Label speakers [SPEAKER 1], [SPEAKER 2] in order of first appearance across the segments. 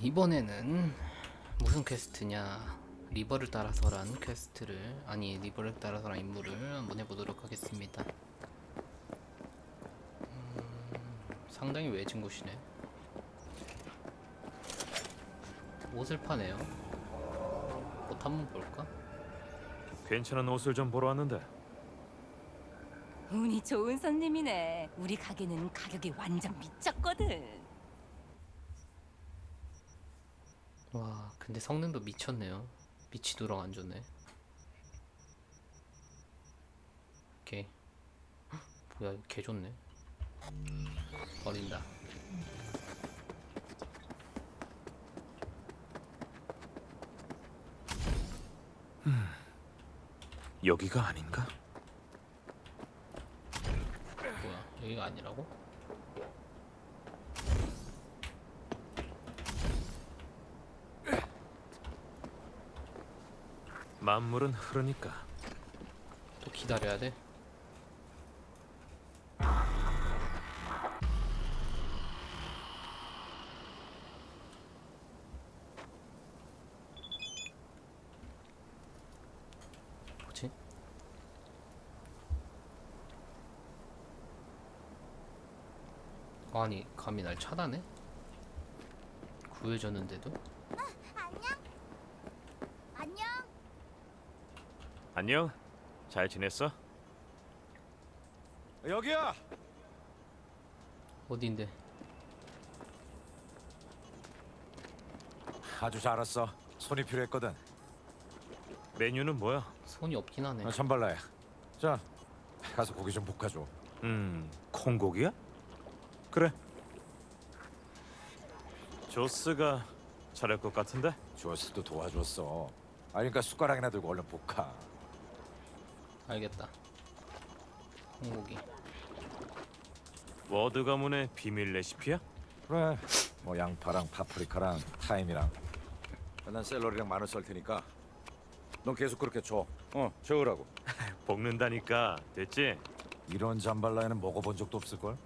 [SPEAKER 1] 이번에는 무슨 퀘스트냐, 리버를 따라서란 퀘스트를, 아니 리버를 따라서란 임무를 한번 해보도록 하겠습니다. 상당히 외진 곳이네. 옷을 파네요. 옷 한번 볼까?
[SPEAKER 2] 괜찮은 옷을 좀 보러 왔는데.
[SPEAKER 3] 운이 좋은 손님이네. 우리 가게는 가격이 완전 미쳤거든.
[SPEAKER 1] 와, 근데 성능도 미쳤네요. 미치도록 안 좋네. 오케이. 뭐야, 이거 개 좋네. 버린다.
[SPEAKER 2] 여기가 아닌가?
[SPEAKER 1] 뭐야, 여기가 아니라고?
[SPEAKER 2] 만물은 흐르니까.
[SPEAKER 1] 또 기다려야 돼? 뭐지? 아니, 감히 날 차단해? 구해줬는데도?
[SPEAKER 4] 안녕.
[SPEAKER 2] 안녕. 잘 지냈어?
[SPEAKER 5] 여기야.
[SPEAKER 1] 어딘데?
[SPEAKER 5] 아주 잘 왔어. 손이 필요했거든.
[SPEAKER 2] 메뉴는 뭐야?
[SPEAKER 1] 손이 없긴 하네.
[SPEAKER 5] 참발라야. 자, 가서 고기 좀 볶아줘.
[SPEAKER 2] 콩고기야? 그래. 조스가 잘할 것 같은데?
[SPEAKER 5] 조스도 도와줬어. 그러니까 숟가락이나 들고 얼른 볶아.
[SPEAKER 1] 알겠다. 콩고기.
[SPEAKER 2] 워드 가문의 비밀 레시피야?
[SPEAKER 5] 그래. 뭐 양파랑 파프리카랑 타임이랑. 난 샐러리랑 마늘 썰 테니까. 넌 계속 그렇게 줘. 저으라고.
[SPEAKER 2] 볶는다니까. 됐지?
[SPEAKER 5] 이런 잠발라에는 먹어본 적도 없을 걸.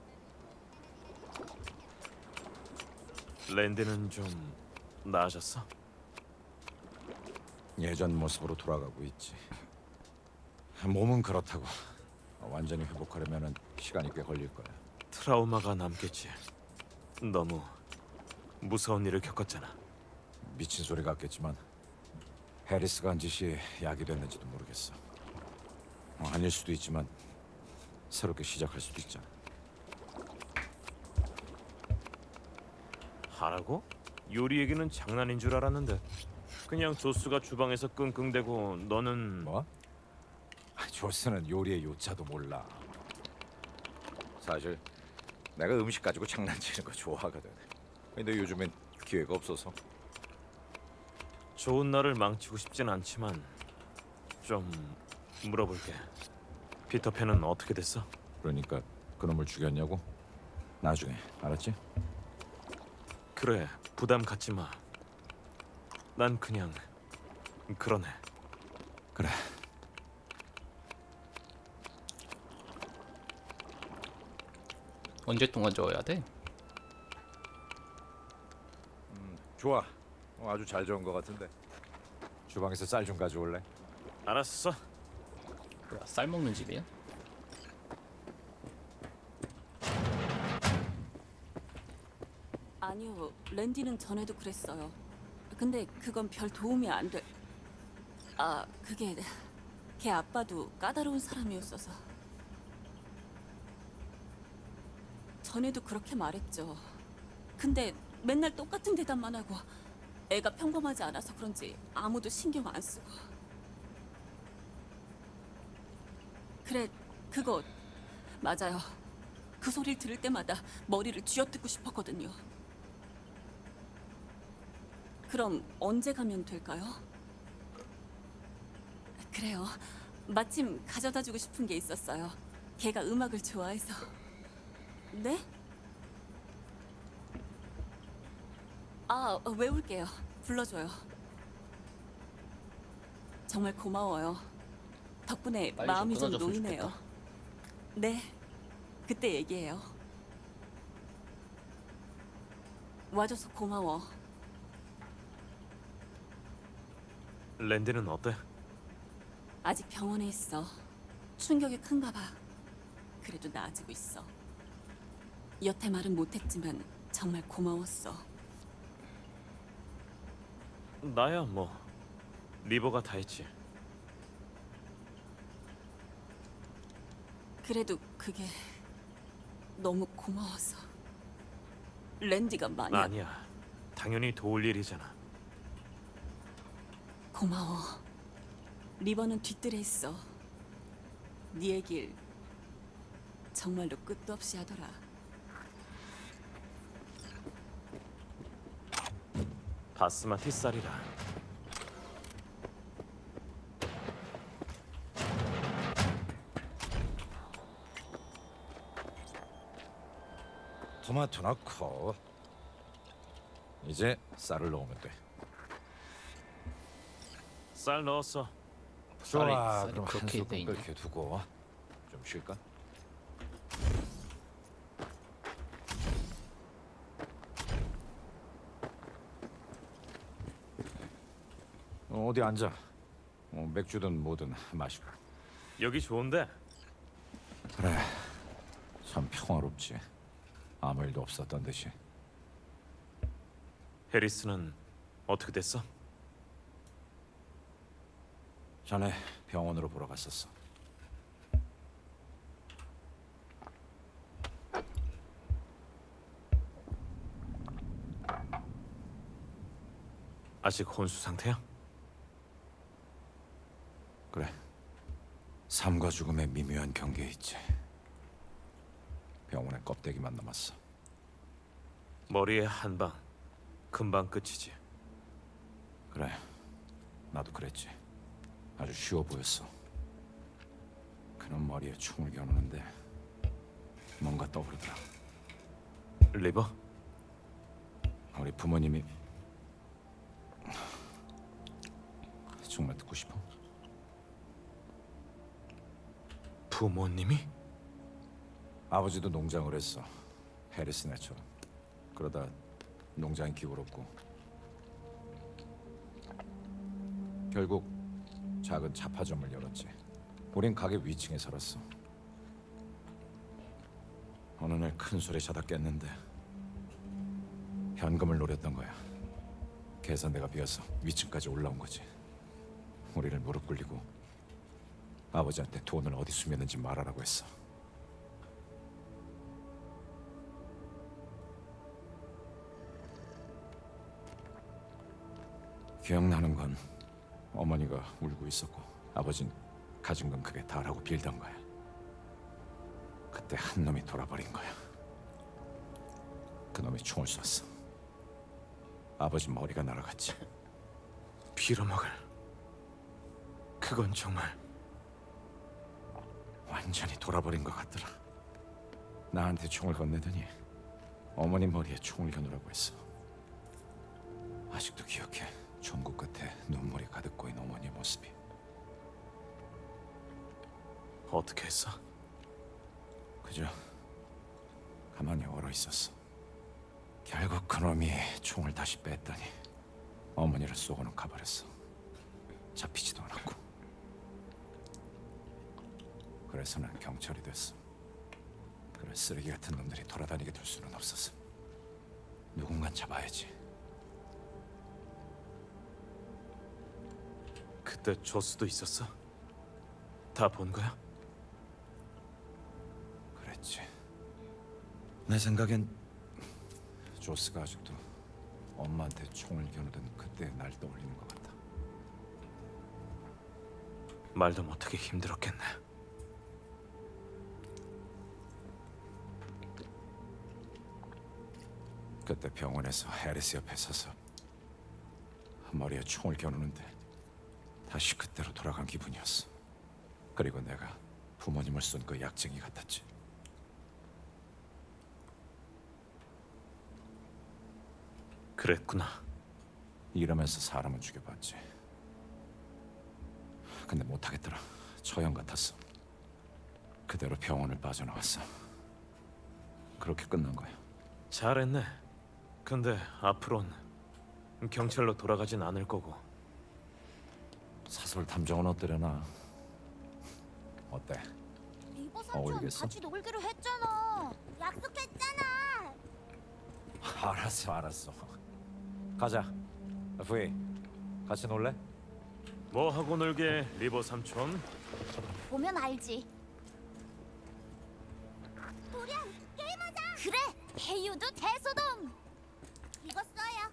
[SPEAKER 2] 랜드는 좀 나아졌어?
[SPEAKER 5] 예전 모습으로 돌아가고 있지. 몸은 그렇다고. 완전히 회복하려면은 시간이 꽤 걸릴 거야.
[SPEAKER 2] 트라우마가 남겠지. 너무 무서운 일을 겪었잖아.
[SPEAKER 5] 미친 소리 같겠지만 해리스가 한 짓이 약이 됐는지도 모르겠어. 아닐 수도 있지만 새롭게 시작할 수도 있잖아.
[SPEAKER 2] 하라고? 요리 얘기는 장난인 줄 알았는데 그냥 조스가 주방에서 끙끙대고 너는
[SPEAKER 5] 뭐? 조스는 요리의 요자도 몰라. 사실 내가 음식 가지고 장난치는 거 좋아하거든. 근데 요즘엔 기회가 없어서.
[SPEAKER 2] 좋은 날을 망치고 싶진 않지만 좀 물어볼게. 피터팬은 어떻게 됐어?
[SPEAKER 5] 그러니까 그놈을 죽였냐고? 나중에 알았지?
[SPEAKER 2] 그래, 부담 갖지 마. 난 그냥 그러네.
[SPEAKER 5] 그래.
[SPEAKER 1] 언제 동안 저어야 돼?
[SPEAKER 5] 좋아. 아주 잘 저은 거 같은데. 주방에서 쌀 좀 가져올래?
[SPEAKER 2] 알았어.
[SPEAKER 1] 뭐야, 쌀 먹는 집이야?
[SPEAKER 3] 아니요, 랜디는 전에도 그랬어요. 근데 그건 별 도움이 안 돼. 아, 그게 걔 아빠도 까다로운 사람이었어서. 전에도 그렇게 말했죠. 근데 맨날 똑같은 대답만 하고 애가 평범하지 않아서 그런지 아무도 신경 안 쓰고. 그래, 그거 맞아요. 그 소리를 들을 때마다 머리를 쥐어뜯고 싶었거든요. 그럼 언제 가면 될까요? 그래요. 마침 가져다 주고 싶은 게 있었어요. 걔가 음악을 좋아해서. 네? 아, 외울게요. 불러줘요. 정말 고마워요. 덕분에
[SPEAKER 1] 빨리 좀
[SPEAKER 3] 마음이 좀
[SPEAKER 1] 끊어줬으면
[SPEAKER 3] 놓이네요.
[SPEAKER 1] 좋겠다.
[SPEAKER 3] 네, 그때 얘기해요. 와줘서 고마워.
[SPEAKER 2] 랜디는 어때?
[SPEAKER 3] 아직 병원에 있어. 충격이 큰가 봐. 그래도 나아지고 있어. 여태 말은 못했지만 정말 고마웠어.
[SPEAKER 2] 나야 뭐 리버가 다 했지.
[SPEAKER 3] 그래도 그게 너무 고마워서. 랜디가 만약
[SPEAKER 2] 아니야. 당연히 도울 일이잖아.
[SPEAKER 3] 고마워. 리버는 뒤뜰에 있어. 네 얘길 정말로 끝도 없이 하더라.
[SPEAKER 2] 바스마티 쌀이라.
[SPEAKER 5] 토마토 넣고 이제 쌀을 넣으면 돼.
[SPEAKER 2] 쌀 넣었어.
[SPEAKER 5] 좋아.
[SPEAKER 1] 쌀이
[SPEAKER 5] 그럼 한
[SPEAKER 1] 그렇게 돼
[SPEAKER 5] 소끔
[SPEAKER 1] 있냐?
[SPEAKER 5] 끓게 두고 좀 쉴까? 어디 앉아. 맥주든 뭐든 마시고.
[SPEAKER 2] 여기 좋은데?
[SPEAKER 5] 그래. 참 평화롭지. 아무 일도 없었던 듯이.
[SPEAKER 2] 해리스는 어떻게 됐어?
[SPEAKER 5] 전에 병원으로 보러 갔었어.
[SPEAKER 2] 아직 혼수 상태야?
[SPEAKER 5] 그래. 삶과 죽음의 미묘한 경계에 있지. 병원에 껍데기만 남았어.
[SPEAKER 2] 머리에 한 방, 금방 끝이지.
[SPEAKER 5] 그래. 나도 그랬지. 아주 쉬워 보였어. 그놈 머리에 총을 겨누는데 뭔가 떠오르더라.
[SPEAKER 2] 리버?
[SPEAKER 5] 우리 부모님이 정말 듣고 싶어?
[SPEAKER 2] 부모님이?
[SPEAKER 5] 아버지도 농장을 했어. 해리스네처럼. 그러다 농장이 기울었고 결국 작은 잡화점을 열었지. 우린 가게 위층에 살았어. 어느 날 큰 소리 자다 깼는데 현금을 노렸던 거야. 계산대가 비어서 위층까지 올라온 거지. 우리를 무릎 꿇리고 아버지한테 돈을 어디 숨겼는지 말하라고 했어. 기억나는 건 어머니가 울고 있었고 아버진 가진 건 그게 다라고 빌던 거야. 그때 한 놈이 돌아버린 거야. 그 놈이 총을 쐈어. 아버지 머리가 날아갔지.
[SPEAKER 2] 빌어먹을. 그건 정말
[SPEAKER 5] 완전히 돌아버린 것 같더라. 나한테 총을 건네더니 어머니 머리에 총을 겨누라고 했어. 아직도 기억해. 전구 끝에 눈물이 가득 고인 어머니의 모습이.
[SPEAKER 2] 어떻게 했어?
[SPEAKER 5] 그저 가만히 얼어 있었어. 결국 그놈이 총을 다시 뺐더니 어머니를 쏘고는 가버렸어. 잡히지도 않았고. 그래서 난 경찰이 됐어. 그런 쓰레기 같은 놈들이 돌아다니게 둘 수는 없었어. 누군간 잡아야지.
[SPEAKER 2] 그때 조스도 있었어? 다 본 거야?
[SPEAKER 5] 그랬지. 내 생각엔 조스가 아직도 엄마한테 총을 겨누던 그때 날 떠올리는 것 같아.
[SPEAKER 2] 말도 못하게 힘들었겠네.
[SPEAKER 5] 그때 병원에서 해리스 옆에 서서 머리에 총을 겨누는데 다시 그때로 돌아간 기분이었어. 그리고 내가 부모님을 쏜 그 약쟁이 같았지.
[SPEAKER 2] 그랬구나.
[SPEAKER 5] 이러면서 사람은 죽여봤지. 근데 못하겠더라. 처형 같았어. 그대로 병원을 빠져나왔어. 그렇게 끝난 거야.
[SPEAKER 2] 잘했네. 근데 앞으론 경찰로 돌아가진 않을 거고
[SPEAKER 5] 사설 탐정은 어떠려나? 어때?
[SPEAKER 4] 리버 삼촌
[SPEAKER 5] 어울리겠어?
[SPEAKER 4] 같이 놀기로 했잖아. 약속했잖아.
[SPEAKER 5] 알았어. 가자. 부이, 같이 놀래?
[SPEAKER 2] 뭐 하고 놀게, 리버 삼촌?
[SPEAKER 4] 보면 알지. 도련 게임하자. 그래. 해유도 대소동. 이거 써요.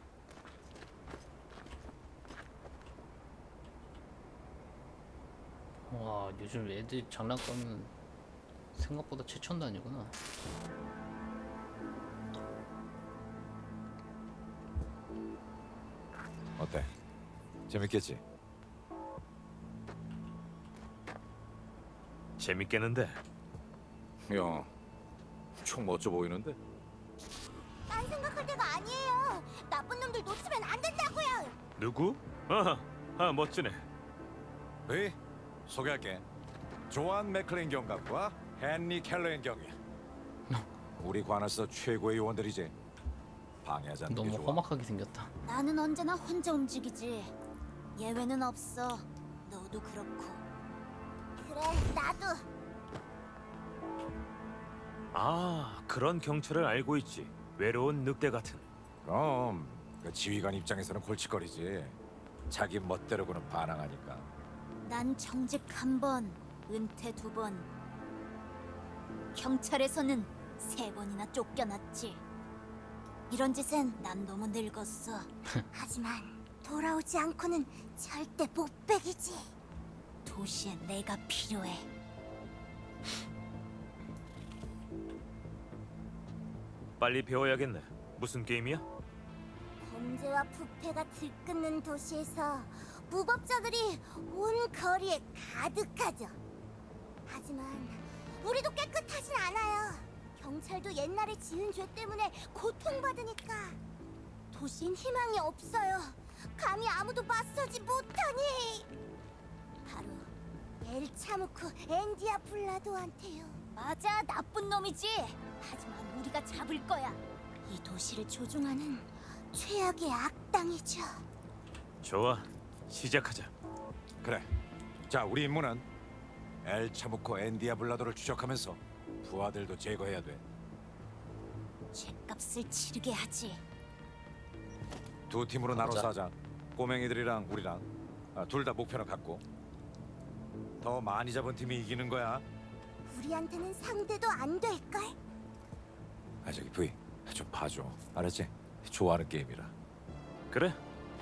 [SPEAKER 1] 와, 요즘 애들 장난감은 생각보다 최첨도 아니구나.
[SPEAKER 5] 어때? 재밌겠지?
[SPEAKER 2] 재밌겠는데.
[SPEAKER 5] 야, 총 멋져 보이는데?
[SPEAKER 4] 딴 생각할 때가 아니에요. 나쁜 놈들 놓치면 안 된다고요.
[SPEAKER 2] 누구? 멋지네.
[SPEAKER 5] 부이, 소개할게. 조안 맥클린 경감과 헨리 켈러인 경위. 우리 관할서 최고의 요원들이지. 방해하지 않는 게
[SPEAKER 1] 너무
[SPEAKER 5] 좋아.
[SPEAKER 1] 험악하게 생겼다.
[SPEAKER 4] 나는 언제나 혼자 움직이지. 예외는 없어. 너도 그렇고. 그래, 나도.
[SPEAKER 2] 아, 그런 경찰을 알고 있지. 외로운 늑대 같은.
[SPEAKER 5] 그럼 그 지휘관 입장에서는 골칫거리지. 자기 멋대로고는 반항하니까.
[SPEAKER 4] 난 정직 한 번, 은퇴 2번. 경찰에서는 3번이나 쫓겨났지. 이런 짓엔 난 너무 늙었어. 하지만 돌아오지 않고는 절대 못 빼기지. 도시에 내가 필요해.
[SPEAKER 2] 빨리 배워야겠네. 무슨 게임이야?
[SPEAKER 4] 범죄와 부패가 들끓는 도시에서 무법자들이 온 거리에 가득하죠. 하지만 우리도 깨끗하진 않아요. 경찰도 옛날에 지은 죄 때문에 고통받으니까 도시엔 희망이 없어요. 감히 아무도 맞서지 못하니 바로 엘 차무코 앤디아 블라도한테요. 맞아, 나쁜 놈이지. 하지만 우리가 잡을 거야. 이 도시를 조종하는 최악의 악당이죠.
[SPEAKER 2] 좋아, 시작하자.
[SPEAKER 5] 그래. 자, 우리 임무는 엘 차무코 앤디아 블라도를 추적하면서 부하들도 제거해야 돼.
[SPEAKER 4] 죗값을 치르게 하지.
[SPEAKER 5] 두 팀으로 나눠서
[SPEAKER 1] 가자.
[SPEAKER 5] 하자. 꼬맹이들이랑 우리랑 둘 다 목표는 같고. 더 많이 잡은 팀이 이기는 거야.
[SPEAKER 4] 우리한테는 상대도 안 될걸?
[SPEAKER 5] 저기 부이, 좀 봐줘. 알았지? 좋아하는 게임이라.
[SPEAKER 2] 그래?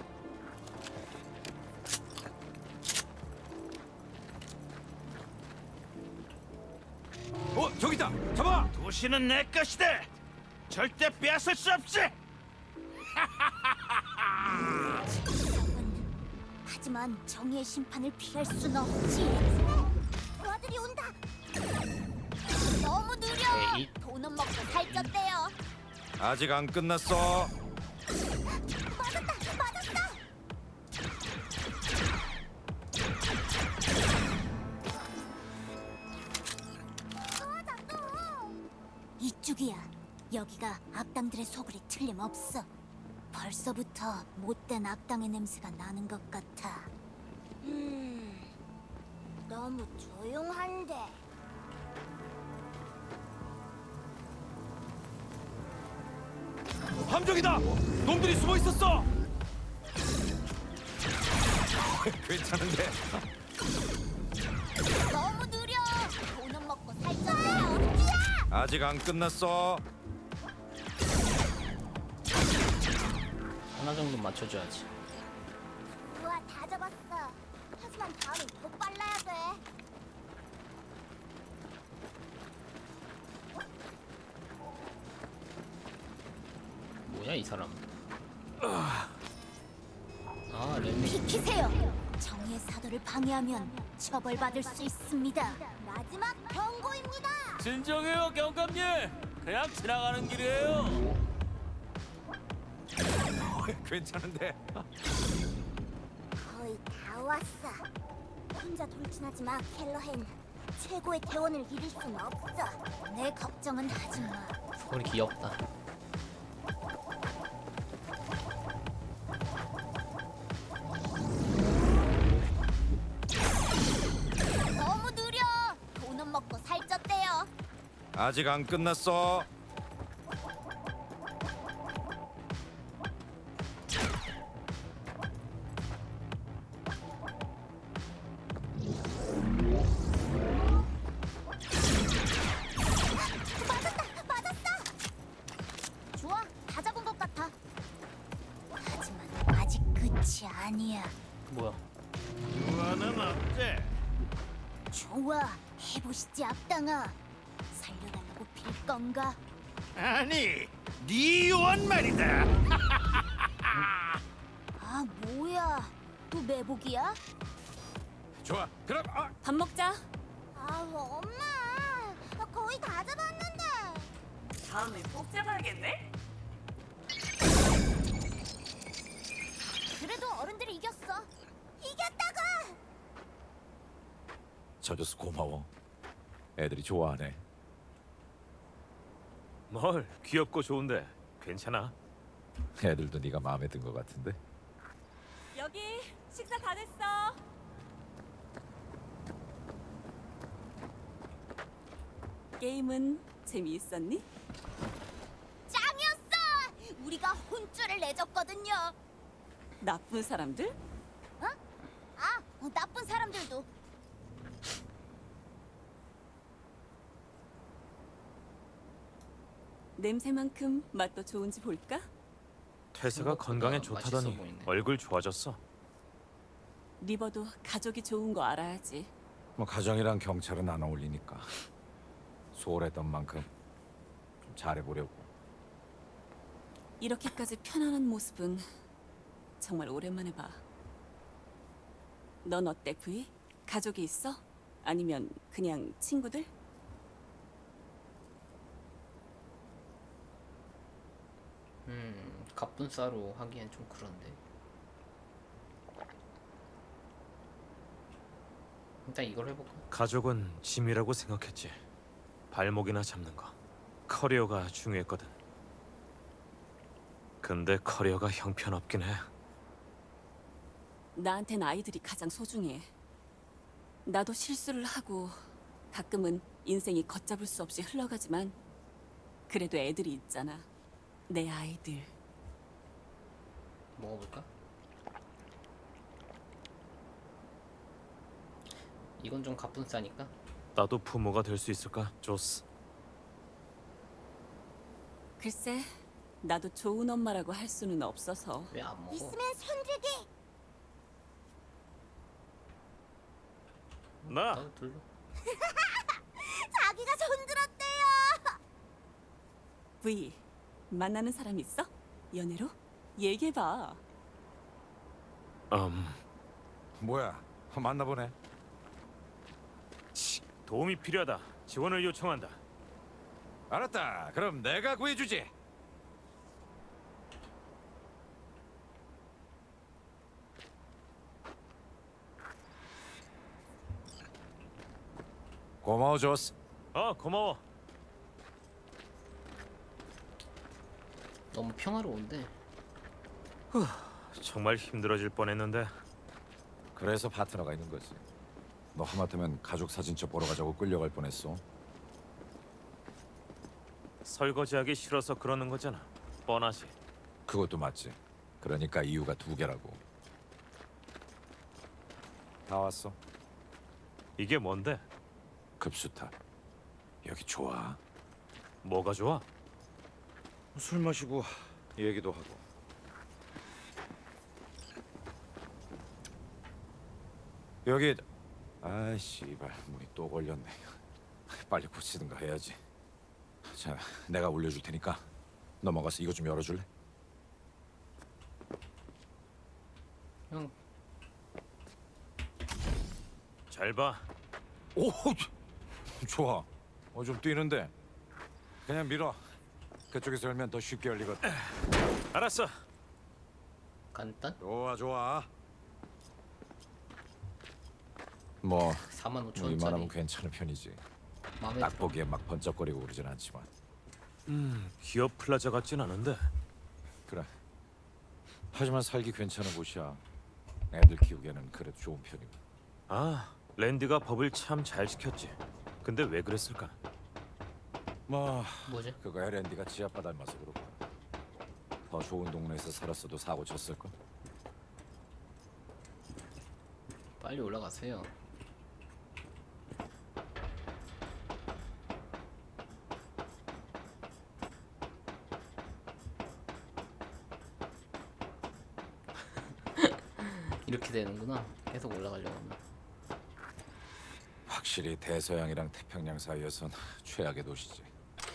[SPEAKER 5] 저기 있다. 잡아.
[SPEAKER 6] 도시는 내 것이다. 절대 빼앗을 수 없지.
[SPEAKER 4] 하지만 정의의 심판을 피할 순 없지. 부하들이 온다. 너무 느려.
[SPEAKER 1] 에이.
[SPEAKER 4] 돈은 먹고 살쪘대요.
[SPEAKER 5] 아직 안 끝났어.
[SPEAKER 4] 맞았다. 이쪽이야. 여기가 악당들의 소굴이 틀림없어. 벌써부터 못된 악당의 냄새가 나는 것 같아. 너무 조용한데.
[SPEAKER 6] 함정이다. 놈들이 숨어 있었어.
[SPEAKER 5] 괜찮은데.
[SPEAKER 4] 너무 느려. 돈은 먹고 살쪘대요. 뛰어!
[SPEAKER 5] 아직 안 끝났어.
[SPEAKER 1] 하나 정도 맞춰줘야지.
[SPEAKER 4] 우와, 다 잡았어. 하지만 다음엔 더 빨라야 돼.
[SPEAKER 1] 뭐야 이 사람? 아, 렘미.
[SPEAKER 4] 비키세요. 정의의 사도를 방해하면 처벌받을 수 있습니다. 마지막 경고입니다.
[SPEAKER 6] 진정해요, 경감님. 그냥 지나가는 길이에요.
[SPEAKER 5] 괜찮은데.
[SPEAKER 4] 거의 다 왔어. 혼자 돌진하지 마, 켈러헨. 최고의 대원을 잃을 순 없어. 내 걱정은 하지 마.
[SPEAKER 1] 소리 귀엽다.
[SPEAKER 5] 아직 안 끝났어.
[SPEAKER 4] 좋아, 다 잡은 것 같아. 하지만 아직 끝이 아니야.
[SPEAKER 1] 뭐야?
[SPEAKER 6] 유아는 어때?
[SPEAKER 4] 좋아, 해보시지 앞당아. 살려달라고 빌 건가?
[SPEAKER 6] 아니, 네 유언 말이다.
[SPEAKER 4] 아, 뭐야? 또 매복이야?
[SPEAKER 5] 좋아. 그럼
[SPEAKER 3] 밥 먹자.
[SPEAKER 4] 아, 엄마, 나 거의 다 잡았는데.
[SPEAKER 3] 다음에 꼭 잡아야겠네.
[SPEAKER 4] 그래도 어른들이 이겼어. 이겼다고!
[SPEAKER 5] 져줘서 고마워. 애들이 좋아하네.
[SPEAKER 2] 뭘 귀엽고 좋은데 괜찮아?
[SPEAKER 5] 애들도 네가 마음에 든 것 같은데.
[SPEAKER 3] 여기 식사 다 됐어. 게임은 재미있었니?
[SPEAKER 4] 짱이었어! 우리가 혼쭐을 내줬거든요.
[SPEAKER 3] 나쁜 사람들?
[SPEAKER 4] 나쁜 사람들도.
[SPEAKER 3] 냄새만큼 맛도 좋은지 볼까?
[SPEAKER 2] 퇴사가
[SPEAKER 1] 생각보다
[SPEAKER 2] 건강에
[SPEAKER 1] 맛있어
[SPEAKER 2] 좋다더니
[SPEAKER 1] 보이네.
[SPEAKER 2] 얼굴 좋아졌어.
[SPEAKER 3] 리버도 가족이 좋은 거 알아야지.
[SPEAKER 5] 뭐 가정이랑 경찰은 안 어울리니까 소홀했던 만큼 좀 잘해보려고.
[SPEAKER 3] 이렇게까지 편안한 모습은 정말 오랜만에 봐. 넌 어때, 부이? 가족이 있어? 아니면 그냥 친구들?
[SPEAKER 1] 갑분싸로 하기엔 좀 그런데. 일단 이걸 해볼까?
[SPEAKER 2] 가족은 짐이라고 생각했지. 발목이나 잡는 거. 커리어가 중요했거든. 근데 커리어가 형편없긴 해.
[SPEAKER 3] 나한텐 아이들이 가장 소중해. 나도 실수를 하고 가끔은 인생이 걷잡을 수 없이 흘러가지만 그래도 애들이 있잖아. 내 아이들.
[SPEAKER 1] 먹어볼까? 이건 좀 갑분싸니까.
[SPEAKER 2] 나도 부모가 될 수 있을까, 조스?
[SPEAKER 3] 글쎄, 나도 좋은 엄마라고 할 수는 없어서.
[SPEAKER 1] 왜 안 먹어?
[SPEAKER 4] 있으면 손들기.
[SPEAKER 2] 나
[SPEAKER 1] 나도 둘러.
[SPEAKER 4] 자기가 손들었대요.
[SPEAKER 3] 부이, 만나는 사람 있어? 연애로? 얘기해봐.
[SPEAKER 5] 뭐야? 만나보네.
[SPEAKER 2] 도움이 필요하다. 지원을 요청한다.
[SPEAKER 5] 알았다. 그럼 내가 구해주지. 고마워, 조스.
[SPEAKER 2] 고마워.
[SPEAKER 1] 너무 평화로운데.
[SPEAKER 2] 정말 힘들어질 뻔했는데.
[SPEAKER 5] 그래서 파트너가 있는 거지. 너 하마터면 가족 사진첩 보러 가자고 끌려갈 뻔했어.
[SPEAKER 2] 설거지하기 싫어서 그러는 거잖아. 뻔하지.
[SPEAKER 5] 그것도 맞지. 그러니까 이유가 두 개라고. 다 왔어.
[SPEAKER 2] 이게 뭔데?
[SPEAKER 5] 급수탑. 여기 좋아.
[SPEAKER 2] 뭐가 좋아?
[SPEAKER 5] 술 마시고 얘기도 하고. 여기 아 씨발 문이 또 걸렸네. 빨리 고치든가 해야지. 자, 내가 올려줄 테니까 넘어가서 이거 좀 열어줄래?
[SPEAKER 1] 형,
[SPEAKER 2] 잘 봐.
[SPEAKER 5] 오, 좋아. 좀 뛰는데. 그냥 밀어. 그쪽에서 열면 더 쉽게 열리거든.
[SPEAKER 2] 알았어.
[SPEAKER 1] 간단?
[SPEAKER 5] 좋아, 좋아. 뭐
[SPEAKER 1] 45,000원짜리.
[SPEAKER 5] 이만하면 괜찮은 편이지.
[SPEAKER 1] 마음에
[SPEAKER 5] 딱
[SPEAKER 1] 들어.
[SPEAKER 5] 보기에 막 번쩍거리고 그러진 않지만.
[SPEAKER 2] 기업 플라자 같진 않은데.
[SPEAKER 5] 그래. 하지만 살기 괜찮은 곳이야. 애들 키우기에는 그래도 좋은 편이고.
[SPEAKER 2] 랜디가 법을 참 잘 지켰지. 근데 왜 그랬을까?
[SPEAKER 5] 뭐
[SPEAKER 1] 뭐지?
[SPEAKER 5] 그거 랜디가 지아빠 닮아서 그렇고 더 좋은 동네에서 살았어도 사고 쳤을걸.
[SPEAKER 1] 빨리 올라가세요. 이렇게 되는구나. 계속 올라가려고 하면.
[SPEAKER 5] 확실히 대서양이랑 태평양 사이에선 최악의 도시지.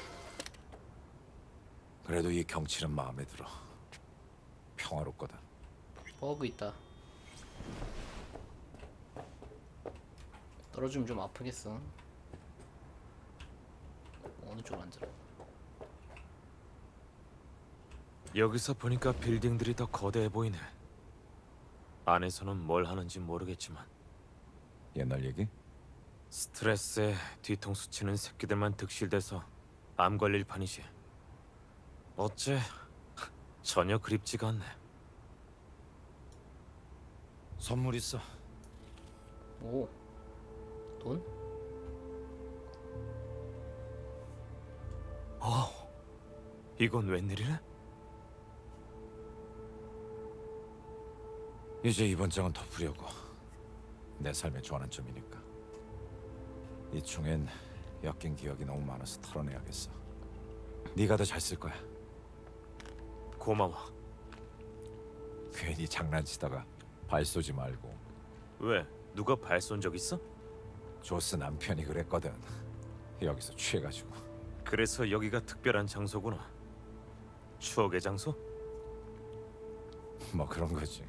[SPEAKER 5] 그래도 이 경치는 마음에 들어. 평화롭거든.
[SPEAKER 1] 버그 있다. 떨어지면 좀 아프겠어. 어느 쪽으로 앉으라.
[SPEAKER 2] 여기서 보니까 빌딩들이 더 거대해 보이네. 안에서는 뭘 하는지 모르겠지만
[SPEAKER 5] 옛날 얘기?
[SPEAKER 2] 스트레스에 뒤통수 치는 새끼들만 득실돼서 암 걸릴 판이지. 어째 전혀 그립지가 않네.
[SPEAKER 5] 선물 있어.
[SPEAKER 1] 오, 돈?
[SPEAKER 2] 이건 웬일이래?
[SPEAKER 5] 이제 이번 장은 덮으려고. 내 삶의 전환점이니까. 이 총엔 엮인 기억이 너무 많아서 털어내야겠어. 네가 더 잘 쓸 거야.
[SPEAKER 2] 고마워.
[SPEAKER 5] 괜히 장난치다가 발 쏘지 말고.
[SPEAKER 2] 왜? 누가 발 쏜 적 있어?
[SPEAKER 5] 조스 남편이 그랬거든. 여기서 취해가지고.
[SPEAKER 2] 그래서 여기가 특별한 장소구나. 추억의 장소?
[SPEAKER 5] 뭐 그런 거지.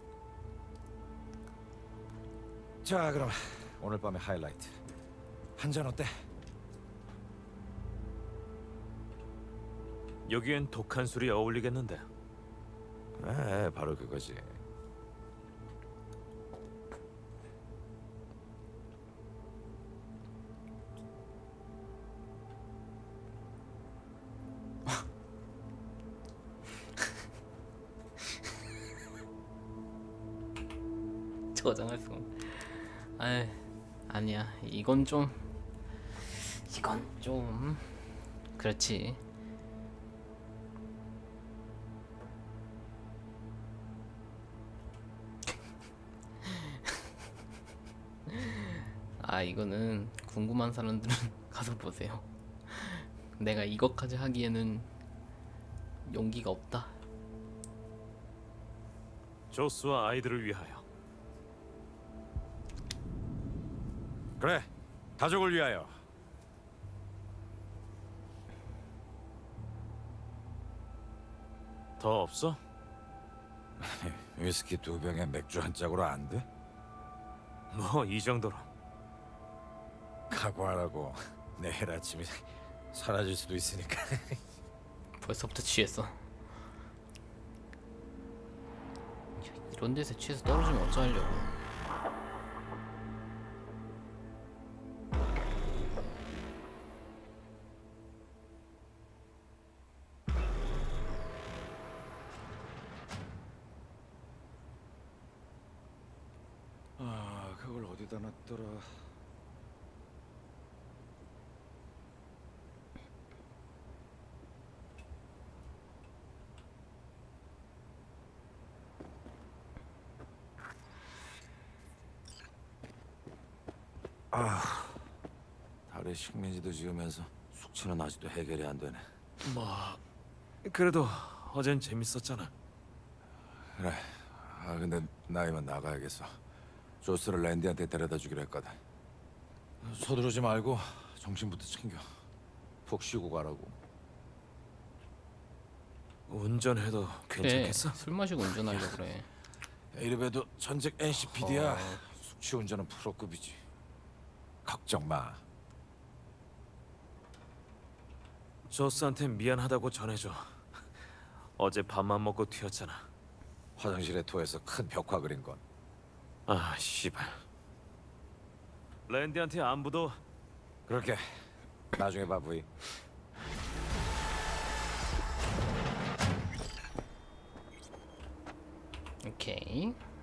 [SPEAKER 5] 자, 그럼 오늘 밤의 하이라이트. 한 잔 어때?
[SPEAKER 2] 여기엔 독한 술이 어울리겠는데.
[SPEAKER 5] 그래, 바로 그거지.
[SPEAKER 1] 저장할 수가 없네. 아이, 아니야. 이건 좀 그렇지. 아, 이거는 궁금한 사람들은 가서 보세요. 내가 이것까지 하기에는 용기가 없다.
[SPEAKER 2] 조스와 아이들을 위하여.
[SPEAKER 5] 그래, 가족을 위하여.
[SPEAKER 2] 더 없어?
[SPEAKER 5] 위스키 2병에 맥주 한 짝으로 안 돼?
[SPEAKER 2] 뭐 이 정도로.
[SPEAKER 5] 각오하라고. 내일 아침에 사라질 수도 있으니까.
[SPEAKER 1] 벌써부터 취했어. 이런 데서 취해서 떨어지면 어쩌려고.
[SPEAKER 5] 아, 그걸 어디다 놨더라. 달에 식민지도 지으면서 숙취는 아직도 해결이 안 되네.
[SPEAKER 2] 뭐 그래도 어젠 재밌었잖아.
[SPEAKER 5] 그래. 아, 근데 나 이만 나가야겠어. 조스를 랜디한테 데려다 주기로 했거든. 서두르지 말고 정신부터 챙겨. 푹 쉬고 가라고.
[SPEAKER 2] 운전해도
[SPEAKER 1] 그래,
[SPEAKER 2] 괜찮겠어?
[SPEAKER 1] 술 마시고 운전하려 그래.
[SPEAKER 5] 이래봬도 전직 NCPD야. 숙취 운전은 프로급이지. 걱정 마.
[SPEAKER 2] 조스한테 미안하다고 전해줘. 어제 밥만 먹고 튀었잖아.
[SPEAKER 5] 화장실에 토해서 큰 벽화 그린 건.
[SPEAKER 2] 아 씨발. 랜디한테 안부도.
[SPEAKER 5] 그렇게. 나중에 봐, 부이.
[SPEAKER 1] 오케이.